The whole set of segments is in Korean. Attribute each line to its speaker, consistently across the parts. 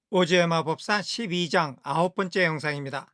Speaker 1: 오즈의 마법사 12장 9번째 영상입니다.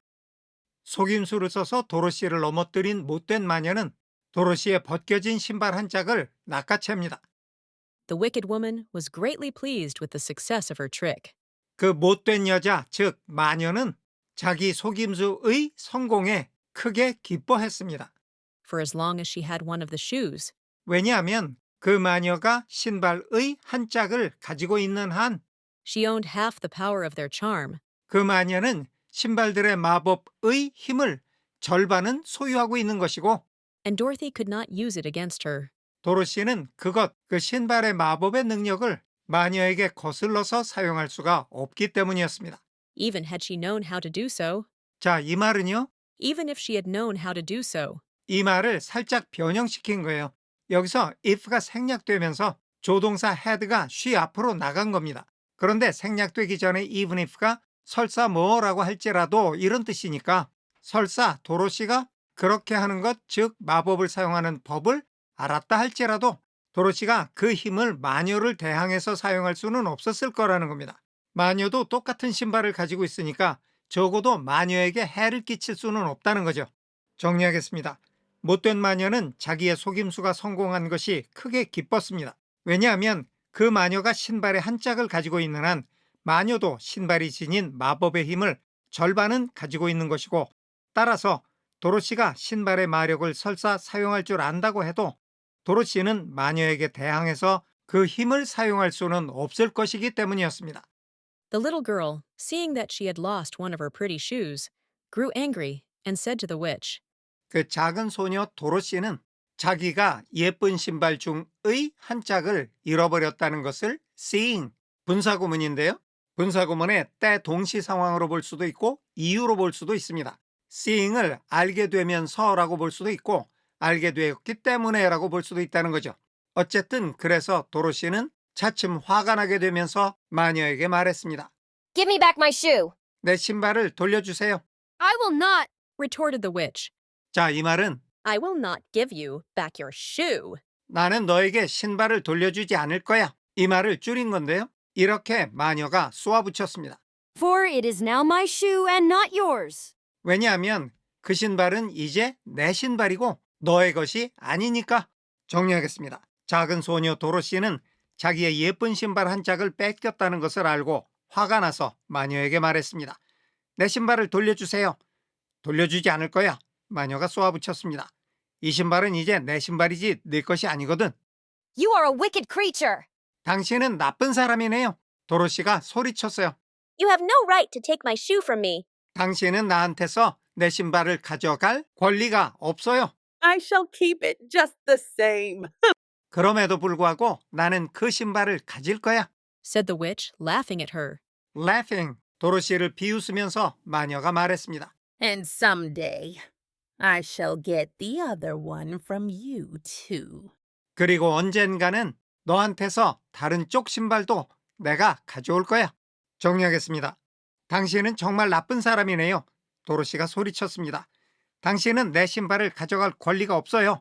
Speaker 1: 속임수를 써서 도로시를 넘어뜨린 못된 마녀는 도로시의 벗겨진 신발 한 짝을 낚아챕니다.
Speaker 2: The wicked woman was greatly pleased with the success of her trick.
Speaker 1: 그 못된 여자, 즉 마녀는 자기 속임수의 성공에 크게 기뻐했습니다.
Speaker 2: For as long as she had one of the shoes,
Speaker 1: 왜냐하면 그 마녀가 신발의 한 짝을 가지고 있는 한
Speaker 2: she owned half the power of their charm.
Speaker 1: 그 마녀는 신발들의 마법의 힘을 절반은 소유하고 있는 것이고,
Speaker 2: And Dorothy could not use it against her.
Speaker 1: 도로시는 그 신발의 마법의 능력을 마녀에게 거슬러서 사용할 수가 없기 때문이었습니다.
Speaker 2: Even had she known how to do so,
Speaker 1: 자, 이 말은요,
Speaker 2: even if she had known how to do so,
Speaker 1: 이 말을 살짝 변형시킨 거예요. 여기서 if가 생략되면서 조동사 had가 she 앞으로 나간 겁니다. 그런데 생략되기 전에 even if가 설사 뭐라고 할지라도 이런 뜻이니까 설사 도로시가 그렇게 하는 것, 즉 마법을 사용하는 법을 알았다 할지라도 도로시가 그 힘을 마녀를 대항해서 사용할 수는 없었을 거라는 겁니다. 마녀도 똑같은 신발을 가지고 있으니까 적어도 마녀에게 해를 끼칠 수는 없다는 거죠. 정리하겠습니다. 못된 마녀는 자기의 속임수가 성공한 것이 크게 기뻤습니다. 왜냐하면 그 마녀가 신발의 한 짝을 가지고 있는 한 마녀도 신발이 지닌 마법의 힘을 절반은 가지고 있는 것이고, 따라서 도로시가 신발의 마력을 설사 사용할 줄 안다고 해도 도로시는 마녀에게 대항해서 그 힘을 사용할 수는 없을 것이기 때문이었습니다.
Speaker 2: the little girl, seeing that she had lost one of her pretty shoes, grew angry and said to the witch,
Speaker 1: 그 작은 소녀 도로시는 자기가 예쁜 신발 중의 한 짝을 잃어버렸다는 것을 seeing, 분사구문인데요. 분사구문의 때 동시 상황으로 볼 수도 있고 이유로 볼 수도 있습니다. seeing을 알게 되면서라고 볼 수도 있고 알게 되었기 때문에라고 볼 수도 있다는 거죠. 어쨌든 그래서 도로시는 차츰 화가 나게 되면서 마녀에게 말했습니다.
Speaker 3: Give me back my shoe.
Speaker 1: 내 신발을 돌려주세요.
Speaker 3: I will not.
Speaker 2: retorted the witch.
Speaker 1: 자, 이 말은
Speaker 2: I will not give you back your shoe.
Speaker 1: 나는 너에게 신발을 돌려주지 않을 거야. 이 말을 줄인 건데요. 이렇게 마녀가 쏘아붙였습니다.
Speaker 3: For it is now my shoe and not yours.
Speaker 1: 왜냐하면 그 신발은 이제 내 신발이고 너의 것이 아니니까. 정리하겠습니다. 작은 소녀 도로시는 자기의 예쁜 신발 한 짝을 뺏겼다는 것을 알고 화가 나서 마녀에게 말했습니다. 내 신발을 돌려주세요. 돌려주지 않을 거야. 마녀가 쏘아붙였습니다. 이 신발은 이제 내 신발이지 네 것이 아니거든.
Speaker 3: You are a wicked creature.
Speaker 1: 당신은 나쁜 사람이네요. 도로시가 소리쳤어요.
Speaker 4: You have no right to take my shoe from me.
Speaker 1: 당신은 나한테서 내 신발을 가져갈 권리가 없어요.
Speaker 5: I shall keep it just the same.
Speaker 1: 그럼에도 불구하고 나는 그 신발을 가질 거야.
Speaker 2: Said the witch, laughing at her.
Speaker 1: Laughing. 도로시를 비웃으면서 마녀가 말했습니다.
Speaker 6: And someday I shall get the other one from you too.
Speaker 1: 그리고 언젠가는 너한테서 다른 쪽 신발도 내가 가져올 거야. 정리하겠습니다. 당신은 정말 나쁜 사람이네요. 도로시가 소리쳤습니다. 당신은 내 신발을 가져갈 권리가 없어요.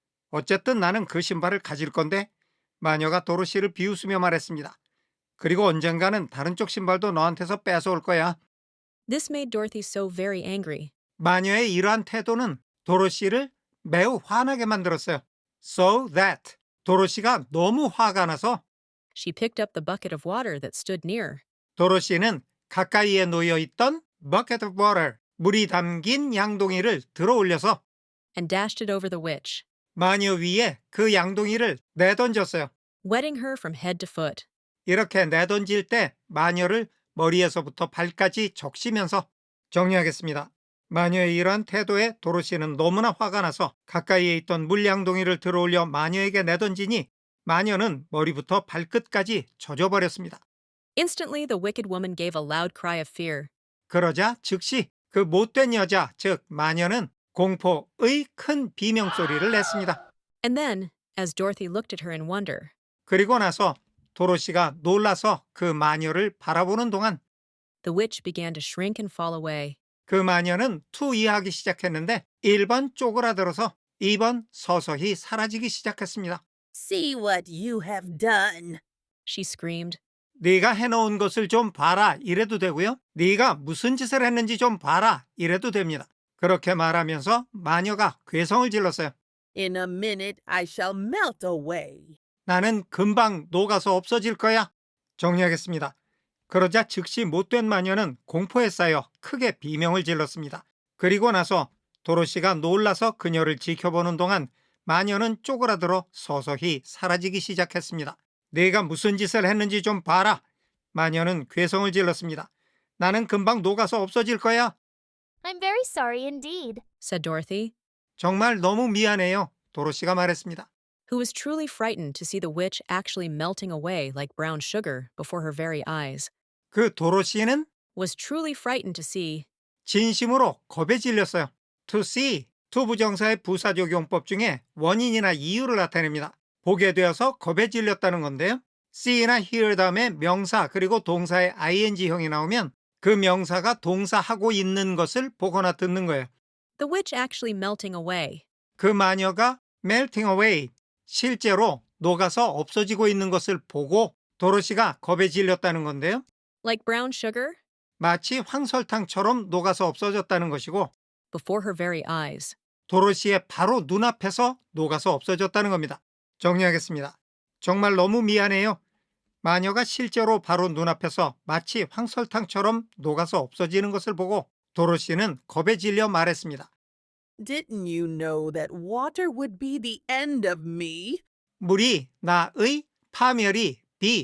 Speaker 1: 어쨌든 나는 그 신발을 가질 건데. 마녀가 도로시를 비웃으며 말했습니다. 그리고 언젠가는 다른 쪽 신발도 너한테서 뺏어올 거야.
Speaker 2: This made Dorothy so very angry.
Speaker 1: 마녀의 이러한 태도는 도로시를 매우 화나게 만들었어요. So that 도로시가 너무 화가 나서
Speaker 2: She picked up the bucket of water that stood near.
Speaker 1: 도로시는 가까이에 놓여 있던 bucket of water, 물이 담긴 양동이를 들어 올려서
Speaker 2: And dashed it over the witch,
Speaker 1: 마녀 위에 그 양동이를 내던졌어요.
Speaker 2: wetting her from head to foot.
Speaker 1: 이렇게 내던질 때 마녀를 머리에서부터 발까지 적시면서. 정리하겠습니다. 마녀의 이러한 태도에 도로시는 너무나 화가 나서 가까이에 있던 물양동이를 들어올려 마녀에게 내던지니 마녀는 머리부터 발끝까지 젖어버렸습니다.
Speaker 2: Instantly, the wicked woman gave a loud cry of fear.
Speaker 1: 그러자 즉시 그 못된 여자, 즉 마녀는 공포의 큰 비명소리를 냈습니다.
Speaker 2: And then, as Dorothy looked at her in wonder,
Speaker 1: 그리고 나서 도로시가 놀라서 그 마녀를 바라보는 동안
Speaker 2: the witch began to shrink and fall away.
Speaker 1: 그 마녀는 투이하기 시작했는데 1번 쪼그라들어서 2번 서서히 사라지기 시작했습니다.
Speaker 6: See what you have done.
Speaker 2: She screamed.
Speaker 1: 네가 해놓은 것을 좀 봐라 이래도 되고요. 네가 무슨 짓을 했는지 좀 봐라 이래도 됩니다. 그렇게 말하면서 마녀가 괴성을 질렀어요.
Speaker 5: In a minute, I shall melt away.
Speaker 1: 나는 금방 녹아서 없어질 거야. 정리하겠습니다. 그러자 즉시 못된 마녀는 공포에 쌓여 크게 비명을 질렀습니다. 그리고 나서 도로시가 놀라서 그녀를 지켜보는 동안 마녀는 쪼그라들어 서서히 사라지기 시작했습니다. 내가 무슨 짓을 했는지 좀 봐라. 마녀는 괴성을 질렀습니다. 나는 금방 녹아서 없어질 거야.
Speaker 4: I'm very sorry indeed.
Speaker 2: said Dorothy,
Speaker 1: 정말 너무 미안해요. 도로시가 말했습니다.
Speaker 2: who was truly frightened to see the witch actually melting away like brown sugar before her very eyes.
Speaker 1: 그 도로시는
Speaker 2: Was truly frightened to see
Speaker 1: 진심으로 겁에 질렸어요. To see, to 부정사의 부사적용법 중에 원인이나 이유를 나타냅니다. 보게 되어서 겁에 질렸다는 건데요. see나 hear 다음에 명사 그리고 동사의 ing형이 나오면 그 명사가 동사하고 있는 것을 보거나 듣는 거예요.
Speaker 2: the witch actually melting away.
Speaker 1: 그 마녀가 melting away, 실제로 녹아서 없어지고 있는 것을 보고 도로시가 겁에 질렸다는 건데요.
Speaker 2: Like brown sugar?
Speaker 1: 마치 황설탕처럼 녹아서 없어졌다는 것이고
Speaker 2: Before her very eyes.
Speaker 1: 도로시의 바로 눈앞에서 녹아서 없어졌다는 겁니다. 정리하겠습니다. 정말 너무 미안해요. 마녀가 실제로 바로 눈앞에서 마치 황설탕처럼 녹아서 없어지는 것을 보고 도로시는 겁에 질려 말했습니다.
Speaker 5: Didn't you know that water would be the end of me?
Speaker 1: 물이 나의 파멸이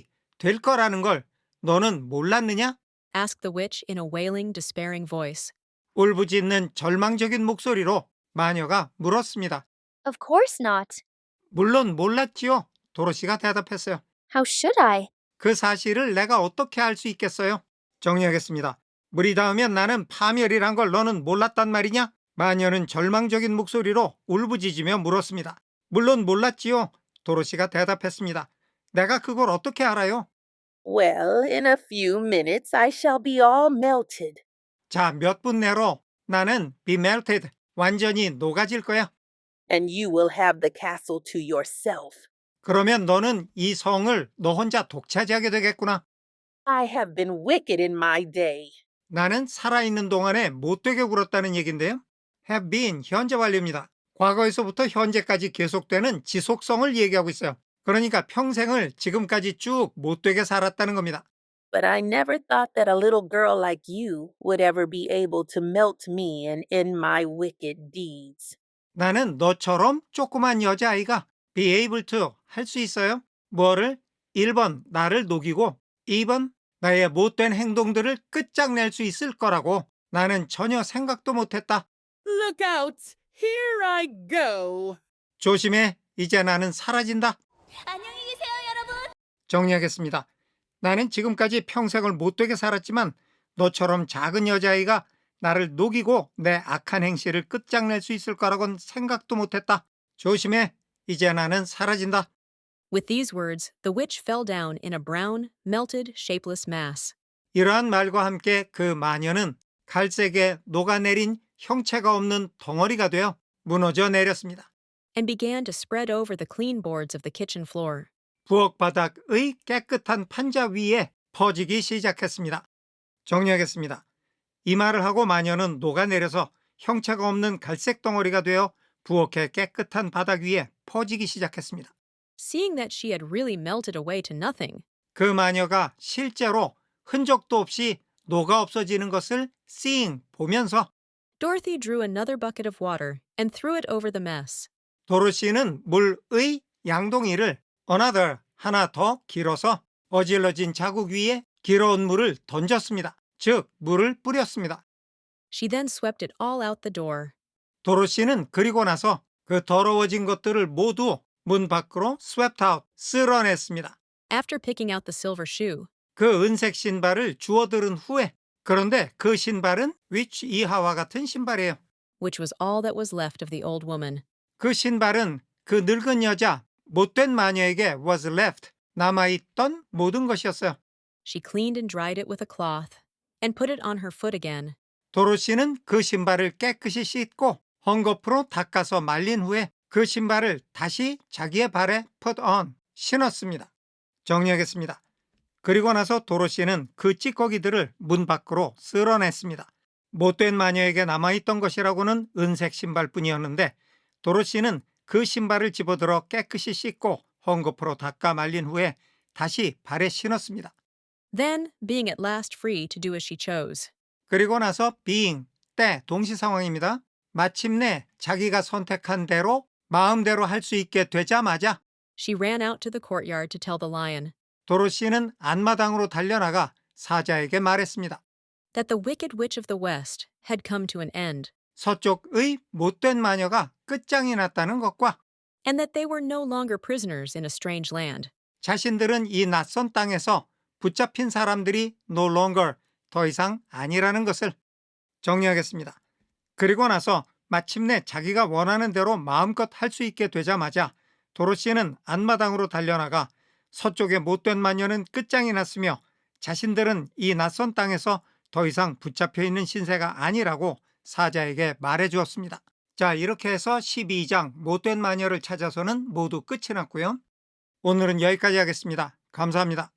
Speaker 1: 될 거라는 걸 너는 몰랐느냐?
Speaker 2: Asked the witch in a wailing, despairing voice.
Speaker 1: 울부짖는 절망적인 목소리로 마녀가 물었습니다.
Speaker 4: Of course not.
Speaker 1: 물론 몰랐지요. 도로시가 대답했어요.
Speaker 4: How should I?
Speaker 1: 그 사실을 내가 어떻게 알 수 있겠어요? 정리하겠습니다. 물이 닿으면 나는 파멸이란 걸 너는 몰랐단 말이냐? 마녀는 절망적인 목소리로 울부짖으며 물었습니다. 물론 몰랐지요. 도로시가 대답했습니다. 내가 그걸 어떻게 알아요?
Speaker 5: Well, in a few minutes, I shall be all melted.
Speaker 1: 자, 몇 분 내로 나는 be melted, 완전히 녹아질 거야.
Speaker 5: And you will have the castle to yourself.
Speaker 1: 그러면 너는 이 성을 너 혼자 독차지하게 되겠구나.
Speaker 5: I have been wicked in my day.
Speaker 1: 나는 살아있는 동안에 못되게 굴었다는 얘긴데요. have been, 현재 완료입니다. 과거에서부터 현재까지 계속되는 지속성을 얘기하고 있어요. 그러니까 평생을 지금까지 쭉 못되게 살았다는 겁니다.
Speaker 5: But I never thought that a little girl like you would ever be able to melt me and end my wicked deeds.
Speaker 1: 나는 너처럼 조그만 여자아이가 be able to 할 수 있어요. 뭐를? 1번 나를 녹이고 2번 나의 못된 행동들을 끝장낼 수 있을 거라고 나는 전혀 생각도 못했다.
Speaker 5: Look out! Here I go!
Speaker 1: 조심해. 이제 나는 사라진다.
Speaker 4: 안녕히 계세요, 여러분.
Speaker 1: 정리하겠습니다. 나는 지금까지 평생을 못되게 살았지만 너처럼 작은 여자아이가 나를 녹이고 내 악한 행실을 끝장낼 수 있을 거라고는 생각도 못했다. 조심해. 이제 나는 사라진다.
Speaker 2: With these words, the witch fell down in a brown, melted, shapeless mass.
Speaker 1: 이러한 말과 함께 그 마녀는 갈색에 녹아내린 형체가 없는 덩어리가 되어 무너져 내렸습니다.
Speaker 2: And began to spread over the clean boards of the kitchen floor.
Speaker 1: 부엌 바닥의 깨끗한 판자 위에 퍼지기 시작했습니다. 정리하겠습니다. 이 말을 하고 마녀는 녹아내려서 형체가 없는 갈색 덩어리가 되어 부엌의 깨끗한 바닥 위에 퍼지기 시작했습니다.
Speaker 2: Seeing that she had really melted away to nothing,
Speaker 1: 그 마녀가 실제로 흔적도 없이 녹아 없어지는 것을 seeing, 보면서
Speaker 2: Dorothy drew another bucket of water and threw it over the mess.
Speaker 1: 도로시는 물의 양동이를 another, 하나 더 길어서 어질러진 자국 위에 길어온 물을 던졌습니다. 즉, 물을 뿌렸습니다.
Speaker 2: She then swept it all out the door.
Speaker 1: 도로시는 그리고 나서 그 더러워진 것들을 모두 문 밖으로 swept out, 쓸어냈습니다.
Speaker 2: After picking out the silver shoe,
Speaker 1: 그 은색 신발을 주워들은 후에, 그런데 그 신발은 which 이하와 같은 신발이에요.
Speaker 2: which was all that was left of the old woman.
Speaker 1: 그 신발은 그 늙은 여자, 못된 마녀에게 was left, 남아있던 모든 것이었어요.
Speaker 2: She cleaned and dried it with a cloth and put it on her foot again.
Speaker 1: 도로시는 그 신발을 깨끗이 씻고 헝겊으로 닦아서 말린 후에 그 신발을 다시 자기의 발에 put on, 신었습니다. 정리하겠습니다. 그리고 나서 도로시는 그 찌꺼기들을 문 밖으로 쓸어냈습니다. 못된 마녀에게 남아있던 것이라고는 은색 신발뿐이었는데 도로시는 그 신발을 집어들어 깨끗이 씻고 헝겊으로 닦아 말린 후에 다시 발에 신었습니다.
Speaker 2: Then, being at last free to do as she chose,
Speaker 1: 그리고 나서 being, 때, 동시 상황입니다. 마침내 자기가 선택한 대로 마음대로 할 수 있게 되자마자
Speaker 2: she ran out to the courtyard to tell the lion
Speaker 1: 도로시는 안마당으로 달려나가 사자에게 말했습니다.
Speaker 2: that the wicked witch of the west had come to an end,
Speaker 1: 서쪽의 못된 마녀가 끝장이 났다는 것과
Speaker 2: and that they were no longer prisoners in a strange land.
Speaker 1: 자신들은 이 낯선 땅에서 붙잡힌 사람들이 no longer, 더 이상 아니라는 것을 정리하겠습니다. 그리고 나서 마침내 자기가 원하는 대로 마음껏 할 수 있게 되자마자 도로시는 안마당으로 달려나가 서쪽의 못된 마녀는 끝장이 났으며 자신들은 이 낯선 땅에서 더 이상 붙잡혀 있는 신세가 아니라고 사자에게 말해 주었습니다. 자, 이렇게 해서 12장 못된 마녀를 찾아서는 모두 끝이 났고요. 오늘은 여기까지 하겠습니다. 감사합니다.